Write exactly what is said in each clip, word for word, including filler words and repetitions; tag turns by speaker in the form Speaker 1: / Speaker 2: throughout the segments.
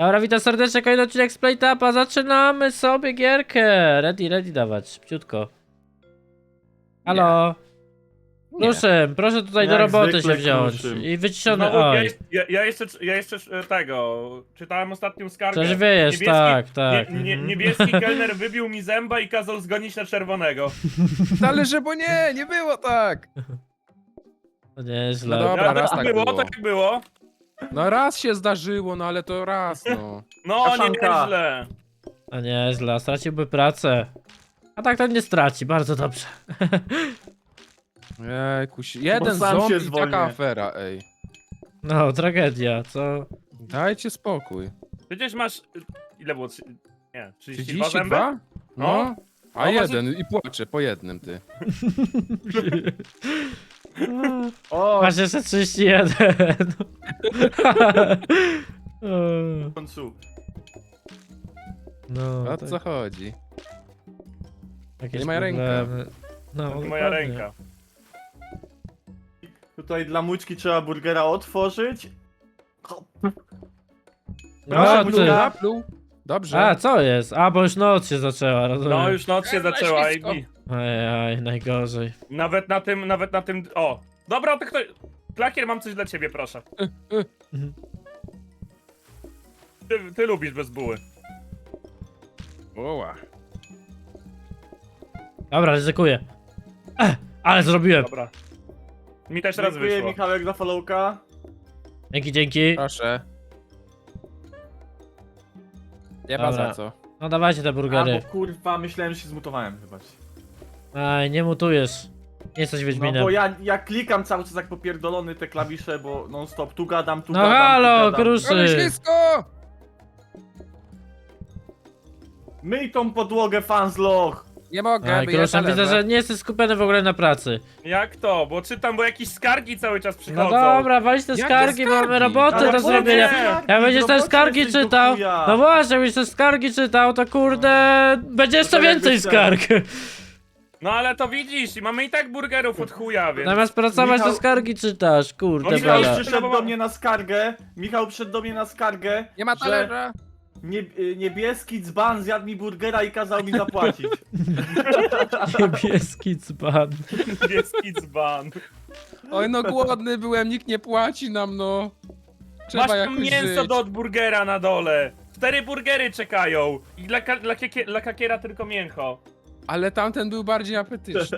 Speaker 1: Dobra, witam serdecznie, kolejny odcinek z Playtapa. Zaczynamy sobie gierkę. Ready, ready dawać, szybciutko. Halo.
Speaker 2: Nie.
Speaker 1: Proszę, proszę tutaj do
Speaker 3: Jak
Speaker 1: roboty się
Speaker 3: zwykle
Speaker 1: wziąć.
Speaker 3: kruszym.
Speaker 1: I wyciszony,
Speaker 4: Znowu, ja,
Speaker 1: oj.
Speaker 4: jeszcze- ja, ja jeszcze, ja jeszcze e, tego, czytałem ostatnią skargę.
Speaker 1: Coś wiesz,
Speaker 4: Niebieski-
Speaker 1: tak, tak.
Speaker 4: Nie, nie,
Speaker 1: mhm.
Speaker 4: niebieski kelner wybił mi zęba i kazał zgonić na czerwonego.
Speaker 2: Ale że bo nie, nie było tak.
Speaker 1: To nieźle.
Speaker 2: No dobra,
Speaker 4: Ja,
Speaker 2: raz
Speaker 4: tak
Speaker 2: tak
Speaker 4: było,
Speaker 2: było.
Speaker 4: tak było.
Speaker 2: No raz się zdarzyło, no ale to raz, no.
Speaker 4: No,
Speaker 3: Kaszanka.
Speaker 4: nieźle.
Speaker 1: To nieźle, straciłby pracę. A tak to nie straci, bardzo dobrze.
Speaker 2: Jejku, jeden
Speaker 3: sam się
Speaker 2: zombie i
Speaker 3: zwolnię.
Speaker 2: taka afera, ej.
Speaker 1: No, tragedia, co?
Speaker 2: Dajcie spokój.
Speaker 4: Przecież masz, ile było? Trzy- Nie, trzydzieści dwa zęby?
Speaker 2: trzydzieści dwa? No. A
Speaker 4: No,
Speaker 2: jeden i płaczę po jednym, ty.
Speaker 3: O,
Speaker 1: Masz jeszcze trzydzieści jeden.
Speaker 3: w końcu.
Speaker 1: No,
Speaker 2: O
Speaker 1: tak,
Speaker 2: co chodzi?
Speaker 1: jakieś
Speaker 2: nie moja ręka.
Speaker 1: problemy. No,
Speaker 4: To moja
Speaker 1: dokładnie.
Speaker 4: ręka.
Speaker 3: Tutaj dla mućki trzeba burgera otworzyć.
Speaker 1: No,
Speaker 3: Proszę,
Speaker 1: ty.
Speaker 3: Mućka.
Speaker 2: Napluł. Dobrze.
Speaker 1: A, co jest? A, bo już noc się zaczęła, rozumiem.
Speaker 4: No, już noc się
Speaker 2: Eee,
Speaker 4: zaczęła i
Speaker 2: ślisko.
Speaker 4: i
Speaker 1: Aj, aj, najgorzej.
Speaker 4: nawet na tym, nawet na tym, o. Dobra, to ktoś, Klakier, mam coś dla ciebie, proszę. Ty, ty lubisz bez buły.
Speaker 2: Oła.
Speaker 1: Dobra, ryzykuję. Ech, ale zrobiłem.
Speaker 4: Dobra. Mi też raz
Speaker 3: Dziękuję
Speaker 4: wyszło.
Speaker 3: Michałek za followka.
Speaker 1: Dzięki, dzięki.
Speaker 2: Proszę. Nie ma
Speaker 1: Dobra.
Speaker 2: za co.
Speaker 1: No dawajcie te
Speaker 3: A,
Speaker 1: burgery.
Speaker 3: bo kurwa, myślałem, że się zmutowałem chyba.
Speaker 1: Aj, nie mutujesz. Nie jesteś
Speaker 3: No
Speaker 1: Wiedźminem.
Speaker 3: bo ja, ja klikam cały czas jak popierdolony te klawisze, bo non stop tu gadam, tu
Speaker 1: No
Speaker 3: gadam,
Speaker 1: halo,
Speaker 3: tu gadam.
Speaker 1: kruszy.
Speaker 2: Ale ślisko!
Speaker 3: Myj tą podłogę, fansloch!
Speaker 2: Nie mogę,
Speaker 1: Aj,
Speaker 2: by ja
Speaker 1: kruszy, widzę,
Speaker 2: zalewę.
Speaker 1: że nie jesteś skupiony w ogóle na pracy.
Speaker 4: Jak to? Bo czytam, bo jakieś skargi cały czas
Speaker 1: No
Speaker 4: przychodzą.
Speaker 1: dobra, walić te
Speaker 2: Jakie
Speaker 1: skargi, bo mamy
Speaker 2: skargi?
Speaker 1: roboty
Speaker 3: Ale
Speaker 1: do
Speaker 3: po
Speaker 1: zrobienia.
Speaker 3: nie?
Speaker 1: Jak będziesz te
Speaker 3: Robocie
Speaker 1: skargi
Speaker 3: jesteś do
Speaker 1: czytał,
Speaker 3: chuja.
Speaker 1: no właśnie, jakbyś te skargi czytał, to kurde, będzie jeszcze
Speaker 3: to
Speaker 1: więcej
Speaker 3: jakbyś
Speaker 1: skarg.
Speaker 4: No ale to widzisz, i mamy i tak burgerów od chuja, więc...
Speaker 1: Zamiast pracować, to
Speaker 3: Michał-
Speaker 1: skargi czytasz, kurde
Speaker 4: No,
Speaker 3: Michał
Speaker 1: bela.
Speaker 3: przyszedł do mnie na skargę, Michał przyszedł do mnie na skargę,
Speaker 2: Nie ma
Speaker 3: że
Speaker 2: talerza.
Speaker 3: nie, y, niebieski dzban zjadł mi burgera i kazał mi zapłacić.
Speaker 1: Niebieski dzban.
Speaker 4: Niebieski dzban.
Speaker 2: Oj, no głodny byłem, nikt nie płaci nam, no. Trzeba
Speaker 4: Masz
Speaker 2: jakoś
Speaker 4: tam mięso
Speaker 2: żyć.
Speaker 4: do od burgera na dole. Cztery burgery czekają. I dla, ka- dla, kakie- dla kakiera tylko mięcho.
Speaker 2: Ale tamten był bardziej apetyczny.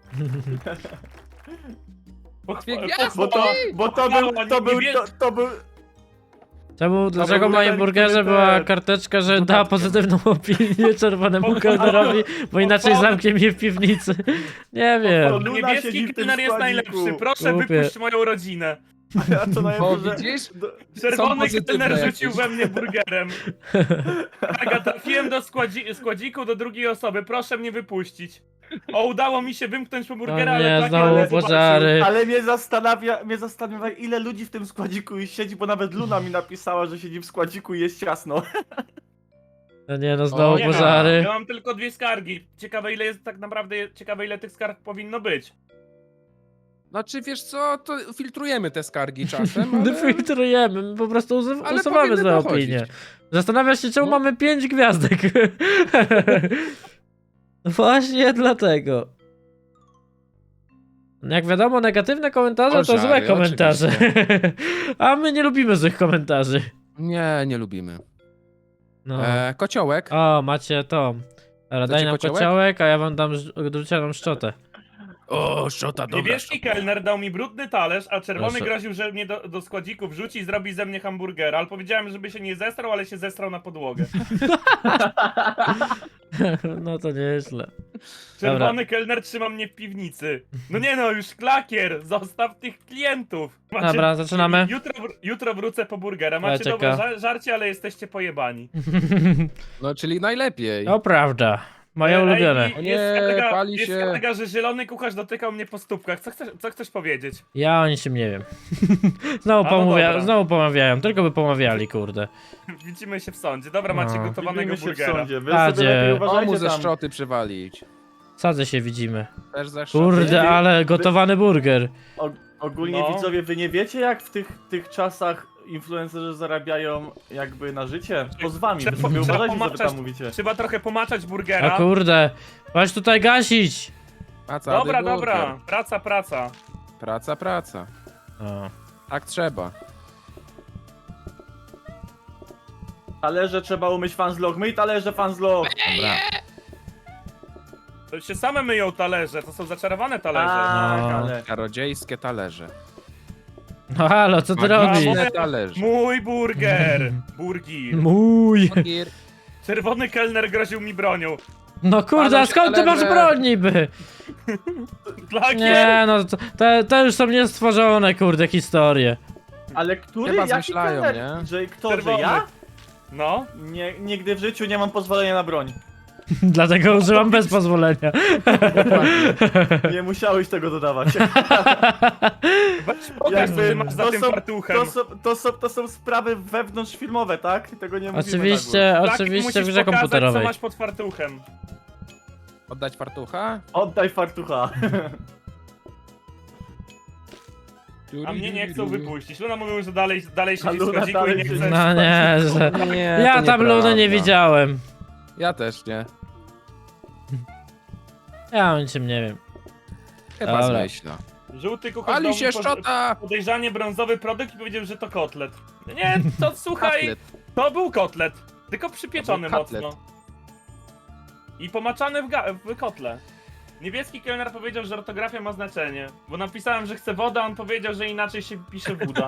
Speaker 4: Pochwa-
Speaker 2: Gwiazd-
Speaker 3: Bo to, bo to był, to był, to, to był...
Speaker 1: Czemu, dlaczego w
Speaker 3: był
Speaker 1: moim
Speaker 3: ten,
Speaker 1: burgerze
Speaker 3: który
Speaker 1: była
Speaker 3: ten-
Speaker 1: karteczka, że da
Speaker 3: dodatkiem.
Speaker 1: pozytywną opinię czerwonemu
Speaker 4: Pochwała-
Speaker 1: kelnerowi, bo inaczej
Speaker 4: pochwała-
Speaker 1: zamknie mnie w piwnicy? Nie wiem.
Speaker 3: Luna siedzi
Speaker 4: Niebieski
Speaker 3: w tym
Speaker 4: kelner jest
Speaker 3: składziku.
Speaker 4: najlepszy. Proszę,
Speaker 1: Głupie.
Speaker 4: wypuść moją rodzinę.
Speaker 3: A to
Speaker 2: O,
Speaker 3: najlepsze, że...
Speaker 2: widzisz?
Speaker 3: do-
Speaker 4: Czerwony
Speaker 2: pozytywne
Speaker 4: kelner
Speaker 2: jakieś.
Speaker 4: rzucił we mnie burgerem. Aga, trafiłem do składzi- składziku do drugiej osoby. Proszę mnie wypuścić. O, udało mi się wymknąć po burgera,
Speaker 1: O
Speaker 4: ale
Speaker 1: nie,
Speaker 4: tak
Speaker 1: znowu
Speaker 4: ale
Speaker 1: pożary.
Speaker 3: Ale mnie zastanawia, mnie zastanawia, ile ludzi w tym składziku już siedzi, bo nawet Luna mi napisała, że siedzi w składziku i jest ciasno.
Speaker 1: No nie no,
Speaker 2: O,
Speaker 1: znowu
Speaker 4: Nie mam.
Speaker 1: pożary.
Speaker 4: Ja mam tylko dwie skargi. Ciekawe ile jest tak naprawdę, ciekawe ile tych skarg powinno być.
Speaker 2: Znaczy, wiesz co, to filtrujemy te skargi czasem, ale...
Speaker 1: Filtrujemy, my po prostu usu-
Speaker 2: Ale
Speaker 1: usuwamy
Speaker 2: powinny
Speaker 1: złe
Speaker 2: dochodzić.
Speaker 1: opinie. Zastanawiasz się, czemu
Speaker 2: No.
Speaker 1: mamy pięć gwiazdek. Właśnie dlatego. Jak wiadomo, negatywne komentarze to
Speaker 2: Pożary,
Speaker 1: złe komentarze.
Speaker 2: oczywiście.
Speaker 1: A my nie lubimy złych komentarzy.
Speaker 2: Nie, nie lubimy.
Speaker 1: No.
Speaker 2: E, kociołek.
Speaker 1: O, macie to. Dobra, daj
Speaker 2: Chcecie
Speaker 1: nam
Speaker 2: kociołek?
Speaker 1: kociołek, a ja wam dam ż- drucianą szczotę.
Speaker 2: O, szczota,
Speaker 4: Niebieski kelner dał mi brudny talerz, a czerwony
Speaker 1: Proszę.
Speaker 4: groził, że mnie do, do składziku wrzuci i zrobi ze mnie hamburgera. Ale powiedziałem, żeby się nie zestrał, ale się zestrał na podłogę.
Speaker 1: No to nieźle.
Speaker 4: Czerwony kelner trzyma mnie w piwnicy. No nie no, już klakier, zostaw tych klientów. Macie-
Speaker 1: Dobra, zaczynamy.
Speaker 4: Jutro, wr- jutro wrócę po burgera. Macie
Speaker 1: Czeka.
Speaker 4: dobre żar żarcie, ale jesteście pojebani.
Speaker 2: No, czyli najlepiej.
Speaker 1: To prawda. Moje
Speaker 4: Ej,
Speaker 1: ulubione.
Speaker 4: i
Speaker 2: O nie,
Speaker 4: jest skarga,
Speaker 2: pali
Speaker 4: jest
Speaker 2: się.
Speaker 4: skarga, że zielony kucharz dotykał mnie po stópkach. Co chcesz, co chcesz powiedzieć?
Speaker 1: Ja o niczym nie wiem. Znowu,
Speaker 4: A, no
Speaker 1: pomawia
Speaker 4: dobra.
Speaker 1: znowu pomawiają, tylko by pomawiali, kurde.
Speaker 4: Widzimy się w sądzie. Dobra, macie
Speaker 1: No.
Speaker 4: gotowanego
Speaker 3: Widzimy się w
Speaker 4: burgera.
Speaker 3: sądzie, wy
Speaker 1: Tadzie.
Speaker 3: sobie lepiej
Speaker 2: O, mu
Speaker 3: uważajcie
Speaker 2: ze
Speaker 3: tam.
Speaker 2: szczoty przywalić.
Speaker 1: Sadzę się widzimy.
Speaker 2: Też ze szczoty.
Speaker 1: Kurde,
Speaker 3: Wy-
Speaker 1: ale gotowany burger.
Speaker 3: O, ogólnie
Speaker 4: No.
Speaker 3: widzowie, wy nie wiecie jak w tych, tych czasach influencerzy zarabiają jakby na życie pozwami.
Speaker 4: Trzeba-
Speaker 3: Wy
Speaker 4: trzeba
Speaker 3: uważajcie, co wy
Speaker 4: pomaczać-
Speaker 3: tam mówicie.
Speaker 4: Trzeba trochę pomaczać
Speaker 1: O
Speaker 4: burgera.
Speaker 1: kurde, chodź tutaj gasić.
Speaker 2: Praca,
Speaker 4: Dobra,
Speaker 2: burger.
Speaker 4: dobra. Praca, praca.
Speaker 2: Praca, praca.
Speaker 1: O.
Speaker 2: Tak trzeba.
Speaker 3: Talerze trzeba umyć fanzlog. Myj talerze fanzlog.
Speaker 1: Dobra.
Speaker 4: To się same myją talerze, to są zaczarowane talerze.
Speaker 3: Tak,
Speaker 1: No.
Speaker 3: ale...
Speaker 2: Czarodziejskie talerze.
Speaker 1: No halo, co ty
Speaker 4: Brawo.
Speaker 1: robisz?
Speaker 2: Magiczne talerze.
Speaker 4: Mój burger! Burgir.
Speaker 1: Mój.
Speaker 2: Burger.
Speaker 4: Czerwony kelner groził mi bronią.
Speaker 1: No kurde, a
Speaker 2: Palą
Speaker 1: skąd ty
Speaker 2: się
Speaker 1: masz
Speaker 2: talerze.
Speaker 1: broń niby?
Speaker 4: Lakier!
Speaker 1: Nie no, to, te, te już są niestworzone, kurde, historie.
Speaker 3: Ale który?
Speaker 2: Chyba
Speaker 3: Jaki
Speaker 2: zmyślają,
Speaker 3: kelner?
Speaker 2: nie?
Speaker 3: Że kto,
Speaker 4: Czerwony.
Speaker 3: że ja?
Speaker 4: No.
Speaker 3: Nie, nigdy w życiu nie mam pozwolenia na broń.
Speaker 1: Dlatego używam bez pozwolenia.
Speaker 3: Nie musiałeś tego dodawać.
Speaker 4: Weź pokaż, co
Speaker 3: Jakby
Speaker 4: ty masz za
Speaker 3: to
Speaker 4: tym
Speaker 3: są-
Speaker 4: fartuchem.
Speaker 3: To są, to, są, to są sprawy wewnątrzfilmowe, tak? Tego nie mówimy
Speaker 1: Oczywiście,
Speaker 4: Lakier,
Speaker 1: oczywiście w
Speaker 4: musisz
Speaker 1: grze
Speaker 4: pokazać,
Speaker 1: komputerowej.
Speaker 4: co masz pod fartuchem.
Speaker 2: Oddać fartucha?
Speaker 3: na górę. Oddaj fartucha.
Speaker 4: A mnie nie chcą wypuścić. Luna mówił, że dalej, dalej
Speaker 3: A
Speaker 4: siedzi w
Speaker 3: Luna
Speaker 4: składziku i
Speaker 3: dalej
Speaker 4: nie
Speaker 3: siedzi.
Speaker 4: chce.
Speaker 1: No nie, że...
Speaker 2: Nie,
Speaker 1: Ja
Speaker 2: to
Speaker 1: tam Luny nie
Speaker 2: nieprawda.
Speaker 1: widziałem.
Speaker 2: Ja też nie.
Speaker 1: Ja o niczym nie wiem.
Speaker 2: Chyba
Speaker 1: Dobra.
Speaker 2: zmyśla.
Speaker 4: Żółty kucharz
Speaker 2: Ali
Speaker 4: dał
Speaker 2: się
Speaker 4: mi pod-
Speaker 2: szczota!
Speaker 4: podejrzanie brązowy produkt i powiedział, że to kotlet. Nie, to słuchaj,
Speaker 2: Kotlet.
Speaker 4: to był kotlet. Tylko przypieczony
Speaker 2: To był kotlet.
Speaker 4: mocno. I pomaczany w, ga- w kotle. Niebieski kelner powiedział, że ortografia ma znaczenie. Bo napisałem, że chcę wodę, a on powiedział, że inaczej się pisze woda.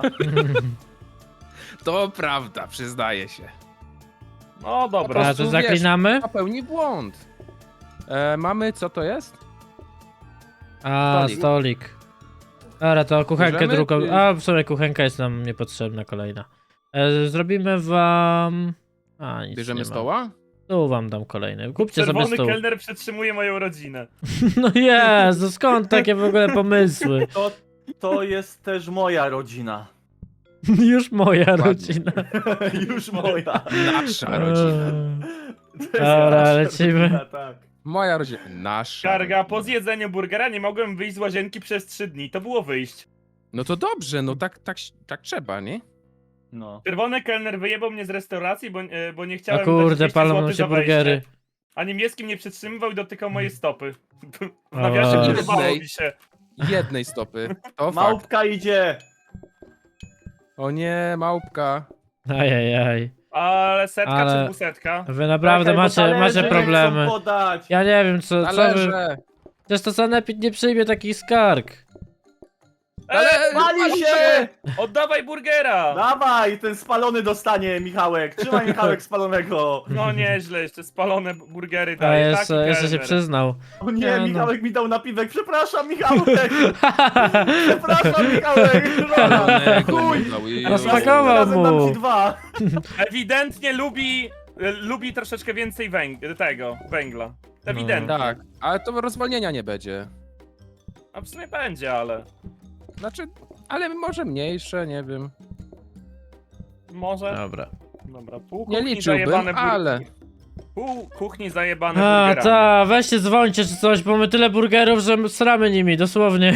Speaker 2: To prawda, przyznaję się.
Speaker 4: No dobra.
Speaker 1: A
Speaker 2: prostu
Speaker 1: to
Speaker 2: wiesz,
Speaker 1: zaklinamy?
Speaker 2: Popełni błąd. E, mamy, co to jest?
Speaker 1: A,
Speaker 2: Stolik.
Speaker 1: stolik. Dobra, to kuchenkę
Speaker 2: Bierzemy,
Speaker 1: drugą.
Speaker 2: czy-
Speaker 1: A, w sumie kuchenka jest nam niepotrzebna kolejna. E, zrobimy wam... A, nic
Speaker 2: Bierzemy
Speaker 1: nie ma.
Speaker 2: stoła?
Speaker 1: Tu wam dam kolejny. Kupcie sobie
Speaker 4: Czerwony
Speaker 1: stół.
Speaker 4: kelner przetrzymuje moją rodzinę.
Speaker 1: No Jezu, skąd takie w ogóle pomysły?
Speaker 3: To, to jest też moja rodzina.
Speaker 1: Już moja
Speaker 2: Ładnie.
Speaker 1: rodzina.
Speaker 3: Już moja.
Speaker 2: Nasza rodzina.
Speaker 3: To jest
Speaker 1: Dobra,
Speaker 3: nasza
Speaker 1: lecimy.
Speaker 3: rodzina, tak.
Speaker 2: Moja rodzina. Nasza.
Speaker 4: Karga, po zjedzeniu burgera nie mogłem wyjść z łazienki przez trzy dni. To było wyjść.
Speaker 2: No to dobrze, no tak, tak, tak trzeba, nie?
Speaker 3: No.
Speaker 4: Czerwony kelner wyjebał mnie z restauracji, bo, e, bo nie
Speaker 1: O
Speaker 4: chciałem dać
Speaker 1: kurde,
Speaker 4: dwieście
Speaker 1: palą nam
Speaker 4: złotych
Speaker 1: się
Speaker 4: za wejście.
Speaker 1: burgery.
Speaker 4: A niebieskim nie przytrzymywał i dotykał mojej stopy. W
Speaker 1: O.
Speaker 4: nawiasie
Speaker 2: Jednej.
Speaker 4: podobało mi się.
Speaker 2: Jednej stopy. To fakt.
Speaker 3: Małpka idzie.
Speaker 2: O nie, małpka.
Speaker 1: Ajajaj.
Speaker 4: Ale setka
Speaker 1: Ale-
Speaker 4: czy dwusetka?
Speaker 1: Wy naprawdę
Speaker 3: Czekaj, bo
Speaker 1: macie,
Speaker 3: talerze
Speaker 1: macie
Speaker 3: nie
Speaker 1: problemy.
Speaker 3: chcą podać.
Speaker 1: Ja nie wiem, co, co wy...
Speaker 2: Talerze.
Speaker 1: Przecież to Sanepid nie przyjmie takich skarg.
Speaker 2: Ale
Speaker 4: Ej,
Speaker 3: Pali się!
Speaker 4: oddawaj burgera!
Speaker 3: Dawaj, ten spalony dostanie, Michałek. Trzymaj Michałek spalonego.
Speaker 4: No nieźle, jeszcze spalone burgery
Speaker 1: A
Speaker 4: daje.
Speaker 1: jeszcze,
Speaker 4: taki
Speaker 1: jeszcze się
Speaker 4: kelner.
Speaker 1: przyznał.
Speaker 3: O nie,
Speaker 1: Nie, no.
Speaker 3: Michałek mi dał napiwek. Przepraszam, Michałek. Przepraszam, Michałek. Dobra. Chuj.
Speaker 1: Rozpakował
Speaker 3: Razem
Speaker 1: mu.
Speaker 3: dam ci dwa.
Speaker 4: Ewidentnie lubi, e, lubi troszeczkę więcej węg tego, węgla. Ewidentnie.
Speaker 2: Tak, ale to rozwolnienia nie będzie.
Speaker 4: A w sumie będzie, ale
Speaker 2: Znaczy, ale może mniejsze, nie wiem.
Speaker 4: może.
Speaker 1: Dobra.
Speaker 4: Dobra, pół
Speaker 2: Nie
Speaker 4: kuchni
Speaker 2: liczyłbym,
Speaker 4: zajebane burgery.
Speaker 2: ale-
Speaker 4: Pół kuchni zajebane
Speaker 1: A,
Speaker 4: burgerami.
Speaker 1: ta, weźcie dzwońcie czy coś, bo my tyle burgerów, że sramy nimi, dosłownie.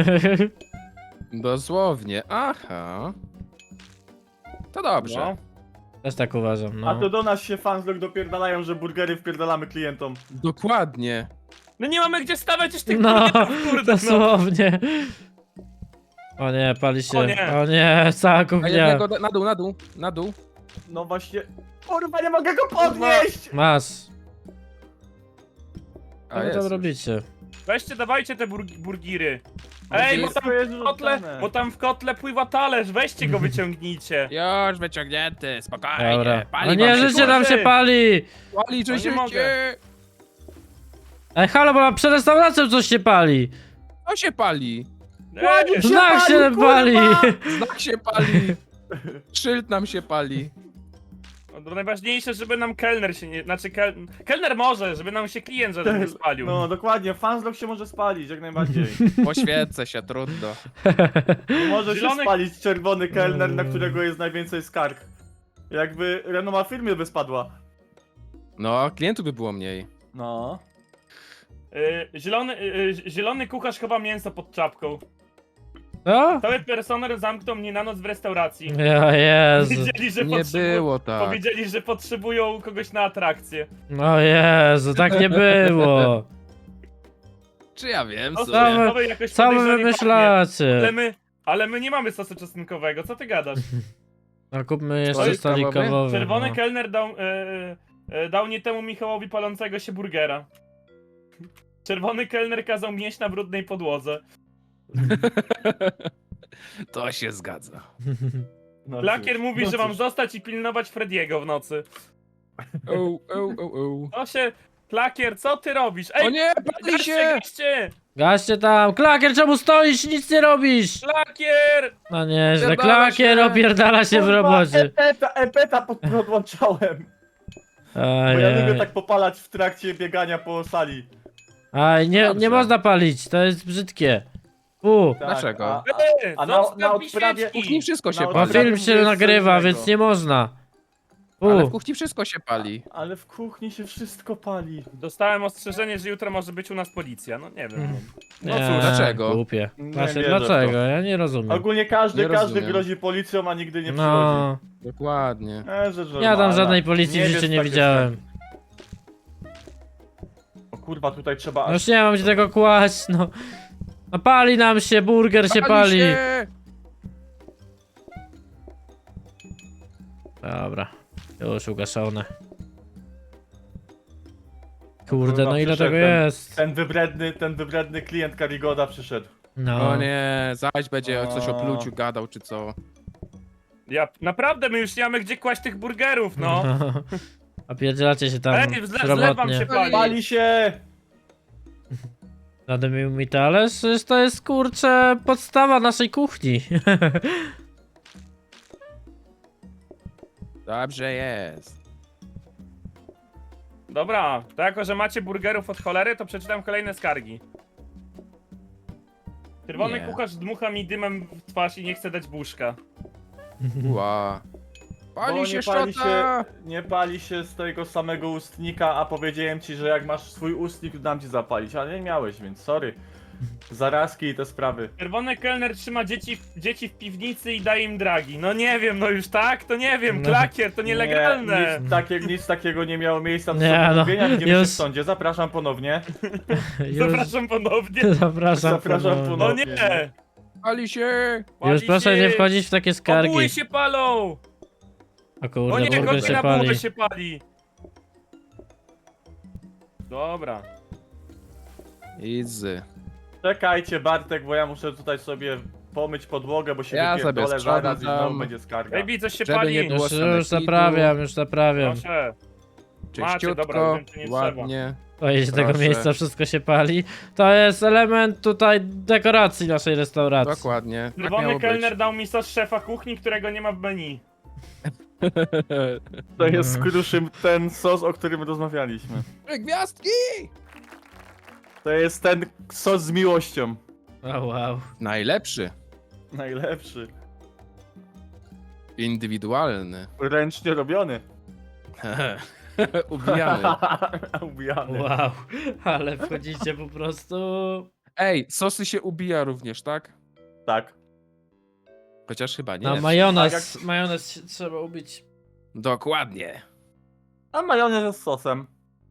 Speaker 2: Dosłownie, aha. To dobrze.
Speaker 4: No.
Speaker 1: Też tak uważam,
Speaker 3: A
Speaker 1: no.
Speaker 3: to do nas się fanslog dopierdalają, że burgery wpierdalamy klientom.
Speaker 2: Dokładnie.
Speaker 4: No nie mamy gdzie stawiać już tych
Speaker 1: No,
Speaker 4: burgerów, kurde, no.
Speaker 1: dosłownie. O nie, pali się.
Speaker 4: O nie.
Speaker 1: O nie, cała
Speaker 2: A
Speaker 1: kuchnia.
Speaker 2: jednego da- na dół, na dół, na dół.
Speaker 3: No właśnie. Kurwa, nie mogę go podnieść!
Speaker 1: Masz.
Speaker 2: A
Speaker 1: Co wy
Speaker 2: jest
Speaker 1: tam
Speaker 2: już.
Speaker 1: robicie?
Speaker 4: Weźcie, dawajcie te burg burgiry. Ej, bo
Speaker 3: Wszystko
Speaker 4: tam
Speaker 3: jest
Speaker 4: w kotle,
Speaker 3: rzucane.
Speaker 4: bo tam w kotle pływa talerz, weźcie go wyciągnijcie.
Speaker 2: Już wyciągnięty, spokojnie.
Speaker 1: Dobra.
Speaker 2: Pali
Speaker 1: O nie,
Speaker 2: wam się,
Speaker 1: życie nam się
Speaker 4: kurczę.
Speaker 1: pali!
Speaker 2: Pali,
Speaker 4: O, nie
Speaker 2: że
Speaker 4: mogę.
Speaker 2: się...
Speaker 1: Ej, halo, bo przed restauracją coś się pali!
Speaker 2: To się pali.
Speaker 4: Ej,
Speaker 3: Się
Speaker 1: Znak
Speaker 3: pali,
Speaker 1: się
Speaker 3: kurwa!
Speaker 1: pali!
Speaker 2: Znak się pali. Szyld nam się pali.
Speaker 4: no to najważniejsze, żeby nam kelner się nie... Znaczy, kel... kelner może, żeby nam się klient że nie spalił.
Speaker 3: No dokładnie, fanslog się może spalić, jak najbardziej.
Speaker 2: Poświęcę się, trudno.
Speaker 3: Nie może się
Speaker 4: Zielony-
Speaker 3: spalić czerwony kelner, na którego jest najwięcej skarg. Jakby renoma firmy by spadła.
Speaker 2: No, klientów by było mniej.
Speaker 3: No.
Speaker 4: Y, zielony, y, zielony kucharz chyba mięso pod czapką.
Speaker 1: Co?
Speaker 4: Cały personel zamknął mnie na noc w restauracji.
Speaker 1: Ja Jezu.
Speaker 4: Powiedzieli, że
Speaker 2: Nie
Speaker 4: potrzebują-
Speaker 2: było tak.
Speaker 4: Powiedzieli, że potrzebują kogoś na atrakcję.
Speaker 1: O Jezu, tak nie było.
Speaker 2: Czy ja wiem,
Speaker 4: No,
Speaker 2: co?
Speaker 1: Co wy-
Speaker 4: to wy jakoś
Speaker 1: Co wy
Speaker 4: podejrzanie pachnie.
Speaker 1: wymyślacie?
Speaker 4: Ale my, ale my nie mamy sosu czosnkowego, co ty gadasz?
Speaker 1: No kupmy jeszcze
Speaker 2: Stolik
Speaker 1: stolik
Speaker 2: kawowy?
Speaker 1: kawowy.
Speaker 4: Czerwony
Speaker 1: no.
Speaker 4: kelner dał, e, e, dał nie temu Michałowi palącego się burgera. Czerwony kelner kazał mieć na brudnej podłodze.
Speaker 2: To się zgadza.
Speaker 3: No
Speaker 4: Lakier
Speaker 3: cóż,
Speaker 4: mówi,
Speaker 3: no
Speaker 4: że mam
Speaker 3: cóż.
Speaker 4: zostać i pilnować Frediego w nocy.
Speaker 2: O, o, o, o.
Speaker 4: To się... Lakier, co ty robisz? Ej,
Speaker 2: O nie, pali
Speaker 4: gaście,
Speaker 2: się!
Speaker 4: gaście!
Speaker 1: Gaście tam! Klakier, czemu stoisz? Nic nie robisz!
Speaker 4: Lakier!
Speaker 1: No nieźle,
Speaker 2: Opierdala
Speaker 1: klakier
Speaker 2: się.
Speaker 1: opierdala się w
Speaker 3: Kurwa,
Speaker 1: robocie.
Speaker 3: Epeta, epeta pod- podłączałem. Bo ja lubię
Speaker 1: Ajaj.
Speaker 3: tak popalać w trakcie biegania po sali.
Speaker 1: Aj, nie, nie
Speaker 2: Dobrze.
Speaker 1: można palić, to jest brzydkie. U,
Speaker 3: Tak,
Speaker 2: Dlaczego?
Speaker 3: A,
Speaker 4: Ej,
Speaker 3: a na,
Speaker 4: zostaw
Speaker 3: na
Speaker 4: mi
Speaker 3: odprawie...
Speaker 4: świeczki.
Speaker 2: W kuchni wszystko się
Speaker 3: Na
Speaker 1: bo
Speaker 2: pali.
Speaker 3: odprawie
Speaker 1: film się
Speaker 3: jest co
Speaker 1: nagrywa,
Speaker 3: innego.
Speaker 1: więc nie można.
Speaker 2: Ale w
Speaker 1: U,
Speaker 2: kuchni wszystko się pali.
Speaker 3: Ale w kuchni się wszystko pali.
Speaker 4: Dostałem ostrzeżenie, że jutro może być u nas policja. No nie wiem.
Speaker 1: Mhm.
Speaker 2: No
Speaker 1: nie,
Speaker 2: cóż, dlaczego?
Speaker 1: Głupie.
Speaker 3: Nie
Speaker 1: Właśnie
Speaker 3: wierzę w to.
Speaker 1: dlaczego? Ja nie rozumiem.
Speaker 3: Ogólnie każdy,
Speaker 2: Nie
Speaker 3: każdy
Speaker 2: rozumiem.
Speaker 3: grozi policją, a nigdy nie przychodzi.
Speaker 1: No,
Speaker 2: Dokładnie.
Speaker 3: E, rzecz
Speaker 1: ja tam
Speaker 3: normalna.
Speaker 1: żadnej policji w
Speaker 3: Nie
Speaker 1: życiu
Speaker 3: wiesz,
Speaker 1: nie
Speaker 3: takie
Speaker 1: widziałem.
Speaker 3: O kurwa, tutaj trzeba
Speaker 1: No
Speaker 3: aż...
Speaker 1: już nie mam gdzie tego kłaść, no. No pali nam się, burger się pali.
Speaker 2: się!
Speaker 1: Dobra, już ugaszone. Kurde,
Speaker 3: Kurwa,
Speaker 1: no ile
Speaker 3: przyszedł
Speaker 1: tego
Speaker 3: ten-
Speaker 1: jest?
Speaker 3: Ten wybredny, ten wybredny klient Karigoda przyszedł.
Speaker 1: No.
Speaker 2: O nie, zaś będzie coś o
Speaker 3: O.
Speaker 2: pluciu gadał, czy co.
Speaker 4: Ja, naprawdę, my już nie mamy gdzie kłaść tych burgerów, no.
Speaker 1: A pierdzielacie się tam
Speaker 4: Ej, zle, zlewam
Speaker 1: robotnie.
Speaker 4: się pali.
Speaker 3: Pali się!
Speaker 1: Nadymił mi talerz, przecież to jest kurczę podstawa naszej kuchni.
Speaker 2: Dobrze jest.
Speaker 4: Dobra, to jako, że macie burgerów od cholery, to przeczytam kolejne skargi. Czerwony
Speaker 2: Nie.
Speaker 4: kucharz dmucha mi dymem w twarz i nie chce dać buszka.
Speaker 2: Ła.
Speaker 3: Bo
Speaker 2: Pali
Speaker 3: nie
Speaker 2: się
Speaker 3: pali
Speaker 2: szczota!
Speaker 3: się, nie pali się z tego samego ustnika, a powiedziałem ci, że jak masz swój ustnik, to dam ci zapalić, ale nie miałeś, więc sorry. Zarazki i te sprawy.
Speaker 4: Czerwony kelner trzyma dzieci, dzieci w piwnicy i daje im dragi. No nie wiem, no już tak? To nie wiem,
Speaker 1: No.
Speaker 4: klakier, to nielegalne.
Speaker 3: Nie, nic, takie, nic takiego nie miało miejsca do
Speaker 1: Nie, no,
Speaker 3: mówienia, widzimy
Speaker 1: już-
Speaker 3: się w sądzie. Zapraszam ponownie.
Speaker 1: Już,
Speaker 4: Zapraszam ponownie.
Speaker 1: zapraszam.
Speaker 3: Zapraszam
Speaker 1: ponownie.
Speaker 4: No
Speaker 3: ponownie.
Speaker 4: nie!
Speaker 2: Pali się!
Speaker 4: Pali
Speaker 1: Już proszę
Speaker 4: się.
Speaker 1: nie wchodzić w takie skargi.
Speaker 4: Obuły się palą!
Speaker 1: O
Speaker 4: O
Speaker 1: kurde,
Speaker 4: nie,
Speaker 1: burger
Speaker 4: chodź
Speaker 1: się
Speaker 4: na
Speaker 1: pali.
Speaker 4: bułę się pali. Dobra.
Speaker 2: Easy.
Speaker 3: Czekajcie Bartek, bo ja muszę tutaj sobie pomyć podłogę, bo się
Speaker 2: Ja
Speaker 3: wypierdolę
Speaker 2: sobie
Speaker 3: zaraz i
Speaker 2: sprzątam.
Speaker 3: znowu będzie skarga.
Speaker 4: Baby, coś się
Speaker 2: Żeby
Speaker 4: pali.
Speaker 2: nie było
Speaker 1: Już, już
Speaker 2: sanepidu.
Speaker 1: zaprawiam, już zaprawiam.
Speaker 4: Proszę. Macie, dobra,
Speaker 2: Czyściutko,
Speaker 4: więcej nie
Speaker 2: ładnie.
Speaker 1: Oj, z tego
Speaker 2: Proszę.
Speaker 1: miejsca wszystko się pali. To jest element tutaj dekoracji naszej restauracji.
Speaker 2: Dokładnie. Tak
Speaker 4: Czerwony
Speaker 2: miało
Speaker 4: kelner
Speaker 2: być.
Speaker 4: dał mi sos szefa kuchni, którego nie ma w menu.
Speaker 3: To jest kruszym ten sos, o którym rozmawialiśmy.
Speaker 2: Gwiazdki!
Speaker 3: To jest ten sos z miłością.
Speaker 1: O wow.
Speaker 2: Najlepszy.
Speaker 3: Najlepszy.
Speaker 2: Indywidualny.
Speaker 3: Ręcznie robiony.
Speaker 2: Ubijany.
Speaker 3: Ubijany.
Speaker 1: Wow. Ale wchodzicie po prostu...
Speaker 2: Ej, sosy się ubija również, tak?
Speaker 3: Tak.
Speaker 2: Chociaż chyba nie.
Speaker 1: No majonez,
Speaker 3: Tak
Speaker 1: majonez się trzeba ubić.
Speaker 2: Dokładnie.
Speaker 3: A majonez z sosem.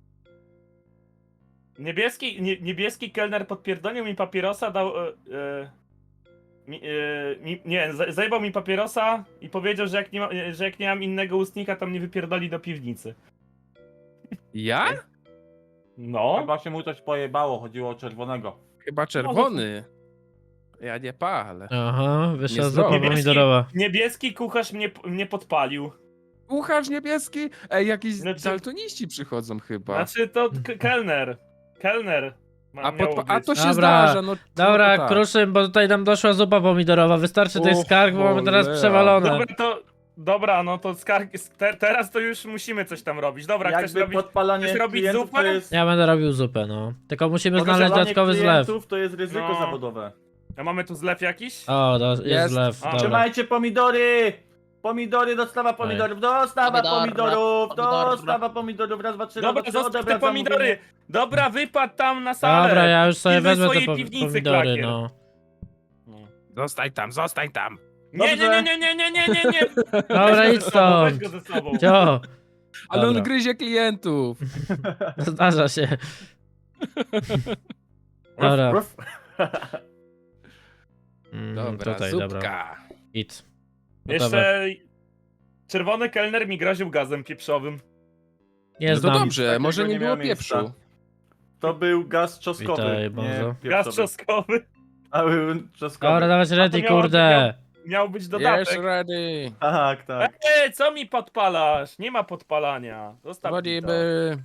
Speaker 4: Niebieski, nie, niebieski kelner podpierdolił mi papierosa, dał... E, e, mi, e, mi, nie, za- zajebał mi papierosa i powiedział, że jak, nie ma, e, że jak nie mam innego ustnika, to mnie wypierdoli do piwnicy.
Speaker 2: Ja?
Speaker 4: No.
Speaker 3: Chyba się mu coś pojebało, chodziło o czerwonego.
Speaker 2: Chyba czerwony. Ja nie palę.
Speaker 1: Aha, wyszła
Speaker 2: Nie
Speaker 1: zupa
Speaker 2: zdrowo.
Speaker 1: pomidorowa.
Speaker 4: Niebieski kucharz mnie, mnie podpalił.
Speaker 2: Kucharz niebieski? Ej, jakiś
Speaker 4: Znaczy-
Speaker 2: daltoniści przychodzą chyba.
Speaker 4: Znaczy to k- kelner. Kelner. Ma,
Speaker 2: A,
Speaker 4: miało
Speaker 2: podpa- a
Speaker 4: być.
Speaker 2: to się
Speaker 1: Dobra,
Speaker 2: zdarza, no.
Speaker 1: Dobra,
Speaker 2: no tak.
Speaker 1: Kruszym, bo tutaj nam doszła zupa pomidorowa. Wystarczy tych
Speaker 2: O
Speaker 1: skarg, bo mamy teraz
Speaker 2: cholera.
Speaker 1: przewalone.
Speaker 4: Dobra, to... Dobra, no to skargi... Te, teraz to już musimy coś tam robić. Dobra, chcesz
Speaker 3: Jakby
Speaker 4: robić...
Speaker 3: podpalanie
Speaker 4: chcesz robić
Speaker 3: klientów
Speaker 4: zupę?
Speaker 3: to jest...
Speaker 1: Ja będę robił zupę, no. Tylko musimy znaleźć
Speaker 3: Podgrzewanie
Speaker 1: dodatkowy zlew.
Speaker 3: klientów to jest ryzyko
Speaker 4: No.
Speaker 3: zawodowe.
Speaker 4: A mamy tu zlew jakiś?
Speaker 1: O, do, jest,
Speaker 2: Jest.
Speaker 1: zlew.
Speaker 4: A,
Speaker 1: Dobra.
Speaker 3: Trzymajcie pomidory! Pomidory, dostawa pomidorów, dostawa
Speaker 5: Pomidor,
Speaker 3: pomidorów,
Speaker 5: pomidor.
Speaker 3: dostawa pomidorów, raz, dwa, trzy,
Speaker 4: Dobra,
Speaker 3: raz, dwa, trzy,
Speaker 4: zostaw te
Speaker 3: odebrać
Speaker 4: pomidory!
Speaker 3: zamówienie.
Speaker 4: Dobra, wypadł tam na salę!
Speaker 1: Dobra, ja już sobie
Speaker 4: Pilnuj
Speaker 1: wezmę te
Speaker 4: swojej
Speaker 1: po-
Speaker 4: piwnicy,
Speaker 1: pomidory,
Speaker 4: klakier.
Speaker 1: no.
Speaker 2: Zostań tam, zostań tam.
Speaker 4: Nie, nie,
Speaker 3: Dobrze.
Speaker 4: nie, nie, nie, nie, nie, nie, nie.
Speaker 1: Dobra,
Speaker 4: Weź
Speaker 1: idź
Speaker 4: go ze sobą, weź
Speaker 1: stąd.
Speaker 4: go ze sobą.
Speaker 1: Cio.
Speaker 2: Ale
Speaker 1: Dobra.
Speaker 2: on gryzie klientów.
Speaker 1: Zdarza się. Dobra.
Speaker 3: Ruff.
Speaker 1: Mm,
Speaker 2: Dobra,
Speaker 1: tutaj,
Speaker 2: zupka.
Speaker 1: dobra. Idź. Gotowe.
Speaker 4: Jeszcze czerwony kelner mi groził gazem pieprzowym.
Speaker 1: Nie
Speaker 2: No to
Speaker 1: znam.
Speaker 2: dobrze,
Speaker 3: Takiego
Speaker 2: może nie
Speaker 3: nie
Speaker 2: było
Speaker 3: miałem miejsca.
Speaker 2: pieprzu.
Speaker 3: To był gaz czosnkowy.
Speaker 1: Witaj,
Speaker 3: nie
Speaker 1: bardzo.
Speaker 4: Gaz
Speaker 3: pieprzowy.
Speaker 4: czosnkowy.
Speaker 3: A był czosnkowy.
Speaker 1: Dobra, dawać ready,
Speaker 4: miało-
Speaker 1: kurde.
Speaker 4: Miał być
Speaker 2: Yes,
Speaker 4: dodatek.
Speaker 2: ready.
Speaker 3: Tak, tak.
Speaker 4: Ej, co mi podpalasz? Nie ma podpalania. Zostaw mi to.
Speaker 2: Wchodzimy.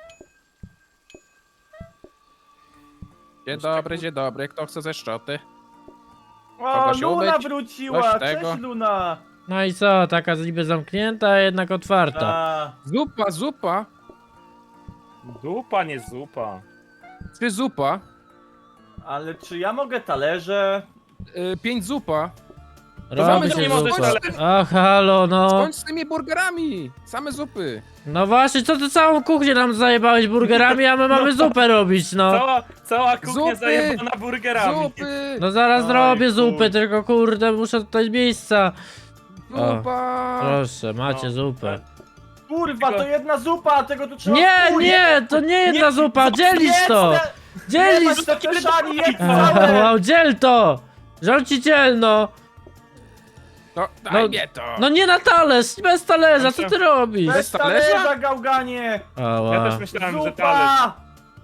Speaker 2: Dzień dobry, dzień dobry. Kto chce ze szczoty?
Speaker 3: O,
Speaker 2: Kogoś
Speaker 3: Luna
Speaker 2: umyć?
Speaker 3: wróciła!
Speaker 2: Coś
Speaker 3: Cześć,
Speaker 2: tego?
Speaker 3: Luna!
Speaker 1: No i co, taka niby zamknięta, a jednak otwarta.
Speaker 3: A,
Speaker 2: Zupa, zupa.
Speaker 4: Zupa, nie zupa.
Speaker 2: Trzy zupa.
Speaker 3: ale czy ja mogę talerze?
Speaker 2: Y, pięć zupa.
Speaker 1: Robi
Speaker 2: mamy
Speaker 1: się
Speaker 4: nie możesz
Speaker 1: zupa.
Speaker 4: dalej.
Speaker 1: Ach, halo, no.
Speaker 2: Skończ z tymi burgerami. Same zupy.
Speaker 1: No właśnie, co ty całą kuchnię nam zajebałeś burgerami, a my mamy zupę robić, no.
Speaker 4: Cała, cała kuchnia
Speaker 2: Zupy!
Speaker 4: zajebana burgerami.
Speaker 2: Zupy.
Speaker 1: No zaraz
Speaker 3: Oj,
Speaker 1: zrobię
Speaker 3: chuj.
Speaker 1: zupy, tylko kurde, muszę tutaj miejsca.
Speaker 2: Zupa.
Speaker 1: Proszę, macie
Speaker 4: No.
Speaker 1: zupę.
Speaker 3: Kurwa, to jedna zupa, tego tu trzeba...
Speaker 1: Nie,
Speaker 3: Chuj,
Speaker 1: nie, to nie jedna
Speaker 4: Nie,
Speaker 1: zupa, dzielisz
Speaker 3: jedz
Speaker 1: to!
Speaker 3: te-
Speaker 1: Dzielisz!
Speaker 3: Jebać te kieszeni, jedz
Speaker 1: Aha,
Speaker 3: całe!
Speaker 1: Wow, dziel to! Rządziciel, no!
Speaker 2: No, daj
Speaker 1: No,
Speaker 2: mnie to.
Speaker 1: No nie na talerz, bez talerza, co ty robisz?
Speaker 3: Bez
Speaker 2: talerza?
Speaker 3: talerza, gałganie!
Speaker 4: Ja
Speaker 1: Ała.
Speaker 4: też myślałem, że talerz.
Speaker 3: Zupa!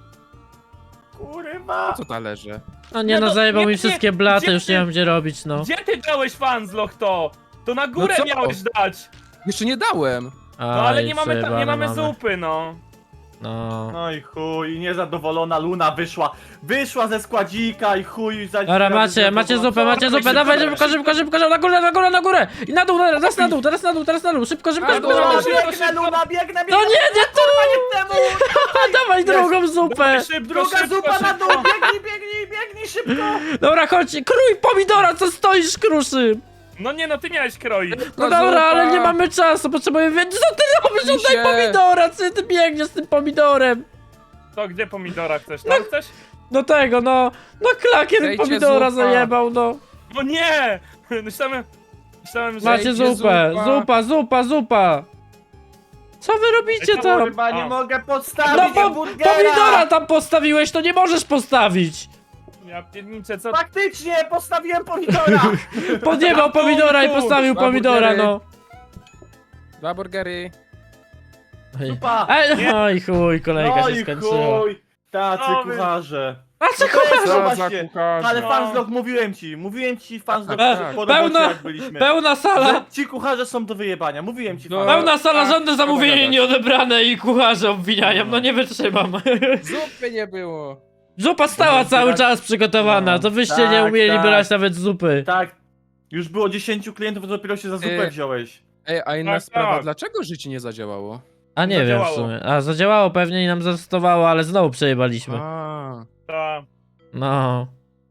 Speaker 3: Kurwa!
Speaker 2: Co talerze?
Speaker 1: No nie
Speaker 4: No
Speaker 1: no,
Speaker 4: to-
Speaker 1: zajebał
Speaker 4: nie,
Speaker 1: mi
Speaker 4: nie,
Speaker 1: wszystkie blaty,
Speaker 4: gdzie
Speaker 1: już nie
Speaker 4: ty-
Speaker 1: mam gdzie robić, no.
Speaker 4: Gdzie ty dałeś fansloch to? To na górę
Speaker 2: co?
Speaker 4: miałeś dać.
Speaker 2: Jeszcze nie dałem.
Speaker 4: No ale
Speaker 1: Aj,
Speaker 4: nie mamy, ta, nie
Speaker 1: przejebane
Speaker 4: mamy zupy, no.
Speaker 1: No.
Speaker 3: No i chuj, niezadowolona Luna wyszła. Wyszła ze składzika i chuj za.
Speaker 1: Dobra, macie, macie zupę, macie zupę, dawaj szybko, szybko, szybko, szybko, na górę, na górę, na górę! I na dół, teraz na dół, teraz na dół, teraz na dół, szybko, szybko,
Speaker 2: Na
Speaker 1: szybko,
Speaker 2: dół,
Speaker 1: szybko,
Speaker 2: na
Speaker 1: szybko.
Speaker 2: dół.
Speaker 3: Biegnę, Luna, biegnę, biegnę!
Speaker 1: No nie, nie tu!
Speaker 3: temu!
Speaker 1: Dawaj drugą zupę!
Speaker 4: Dawaj, szybko,
Speaker 3: Druga
Speaker 4: szybko,
Speaker 3: zupa na
Speaker 4: szybko.
Speaker 3: dół! Biegnij, biegnij, biegnij szybko!
Speaker 1: Dobra, chodź, krój pomidora, co stoisz, kruszy!
Speaker 4: No nie no, ty miałeś kroić.
Speaker 1: No dobra, ale nie mamy czasu, potrzebuję wiedzieć, co ty robisz,
Speaker 2: Mi
Speaker 1: oddaj
Speaker 2: się.
Speaker 1: pomidora, co ty biegniesz z tym pomidorem?
Speaker 4: To gdzie pomidora chcesz? Tam chcesz?
Speaker 1: Do tego, no, no klakier
Speaker 2: Dajcie
Speaker 1: pomidora
Speaker 2: zupa.
Speaker 1: zajebał, no.
Speaker 4: No nie! Myślałem, myślałem, że...
Speaker 1: Macie
Speaker 2: Dajcie
Speaker 1: zupę,
Speaker 2: zupa.
Speaker 1: zupa, zupa, zupa. Co wy robicie
Speaker 4: Ej,
Speaker 1: tam?
Speaker 3: Chyba nie
Speaker 4: A.
Speaker 3: mogę
Speaker 1: No
Speaker 3: podstawić
Speaker 1: po,
Speaker 3: burgera!
Speaker 1: pomidora tam postawiłeś, to nie możesz postawić.
Speaker 4: Ja pierniczę, co...
Speaker 3: Faktycznie, postawiłem pomidora!
Speaker 1: Podjebał pomidora i postawił
Speaker 2: Dwa
Speaker 1: pomidora,
Speaker 2: burgery.
Speaker 1: no.
Speaker 2: Dwa burgery.
Speaker 1: Ej,
Speaker 3: Zupa!
Speaker 1: Ej, oj chuj, kolejka
Speaker 3: No
Speaker 1: się
Speaker 3: i
Speaker 1: skończyła.
Speaker 3: chuj! Tacy
Speaker 4: No wy-
Speaker 3: kucharze.
Speaker 1: A co
Speaker 3: No to jest-
Speaker 1: kucharz?
Speaker 2: Co za
Speaker 3: Zobaczcie,
Speaker 2: kucharze.
Speaker 3: Ale
Speaker 4: No.
Speaker 3: fanslog mówiłem ci, mówiłem ci fanslog
Speaker 2: Tak,
Speaker 3: po
Speaker 2: tak.
Speaker 3: robocie
Speaker 1: Pełna-
Speaker 3: jak byliśmy.
Speaker 1: Pełna sala.
Speaker 3: Że ci kucharze są do wyjebania, mówiłem ci
Speaker 2: No.
Speaker 3: fanslog.
Speaker 1: Pełna sala,
Speaker 2: A,
Speaker 1: żadne zamówienie
Speaker 2: gadać.
Speaker 1: nieodebrane i kucharze obwiniają, no nie wytrzymam.
Speaker 2: Zupy nie było.
Speaker 1: Zupa stała cały czas przygotowana,
Speaker 3: No,
Speaker 1: to wyście
Speaker 3: tak,
Speaker 1: nie umieli
Speaker 3: tak.
Speaker 1: brać nawet zupy.
Speaker 3: Tak, już było dziesięciu klientów, to dopiero się za zupę
Speaker 2: Yy.
Speaker 3: wziąłeś.
Speaker 2: Ej, a inna
Speaker 4: Tak,
Speaker 2: sprawa,
Speaker 4: tak.
Speaker 2: dlaczego życie nie zadziałało?
Speaker 1: A nie wiem w
Speaker 4: Zadziałało.
Speaker 1: sumie. A zadziałało pewnie i nam zastosowało, ale znowu przejebaliśmy.
Speaker 2: A.
Speaker 4: Ta...
Speaker 1: No.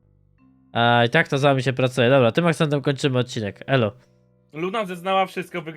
Speaker 1: A i tak to z wami się pracuje. Dobra, tym akcentem kończymy odcinek. Elo.
Speaker 4: Luna zeznała wszystko,